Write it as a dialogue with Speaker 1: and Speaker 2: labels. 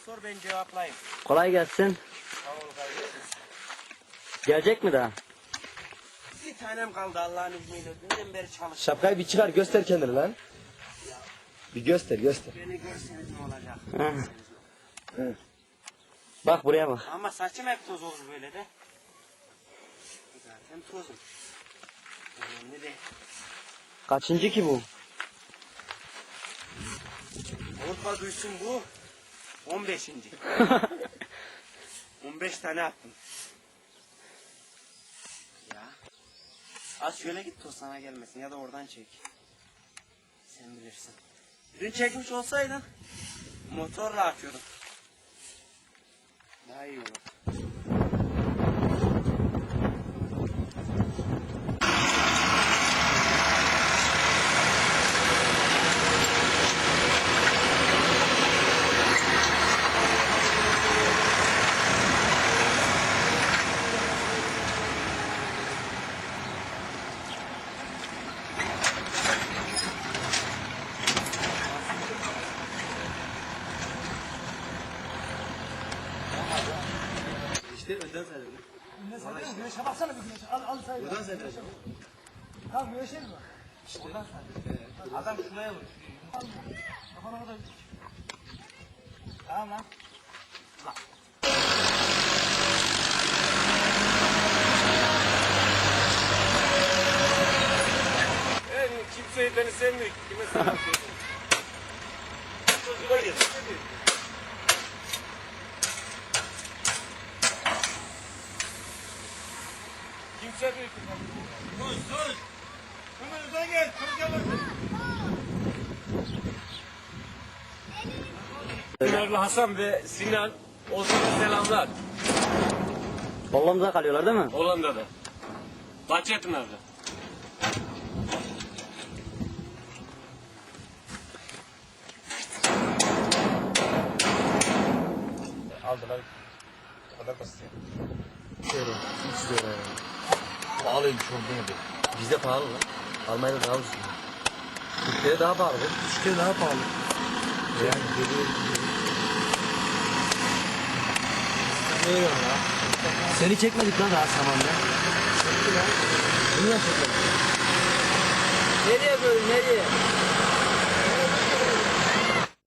Speaker 1: sor ben cevaplayayım.
Speaker 2: Kolay gelsin.
Speaker 1: Sağ ol kardeşim.
Speaker 2: Gelecek mi daha?
Speaker 1: Bir tanem kaldı Allah'ın izniyle. Dünden beri çalıştım.
Speaker 3: Şapkayı bir çıkar göster kendini lan. Bir göster.
Speaker 1: Beni görseniz ne olacak?
Speaker 2: Hı. Bak buraya bak.
Speaker 1: Ama saçım hep toz olur böyle de. Zaten tozum. Önemli değil.
Speaker 2: Kaçıncı ki bu?
Speaker 1: Avrupa duysun bu 15. 15 tane attım. Ya. Az şöyle git toz sana gelmesin ya da oradan çek. Sen bilirsin. Dün çekmiş olsaydın motorla açıyordum. Daha iyi olur.
Speaker 3: İşte önden sayalım.
Speaker 4: Ne sayıyorsun? Güneşe baksana bir güneşe. Al sayıyor.
Speaker 3: Buradan sayacağım.
Speaker 4: Tamam güneşe mi bak?
Speaker 3: İşte.
Speaker 1: Adam şuraya vur.
Speaker 4: Kafana kadar. Tamam lan.
Speaker 1: En kimseyi beni sevmiyor. Kime sevmiyor? Çocuklar gel. Kimse büyük. Sus. Önümüzden gel. Çocuklar gel. Pınarlı Hasan ve Sinan olsun selamlar.
Speaker 2: Hollanda'da kalıyorlar değil mi?
Speaker 1: Hollanda'da. Bahçepınar'da.
Speaker 3: Aldılar. O kadar basit ya. Şöyle. 300 lira yani. Pahalıymış orada gibi. Bizde pahalı lan. Almanya'da daha ucuz. Türkiye'de daha pahalı. Türkiye'de daha pahalı. Yani öyle ya. Seni çekmedik lan daha zamanda. Çekti lan. Niye çekmedik?
Speaker 2: Nereye böyle nereye?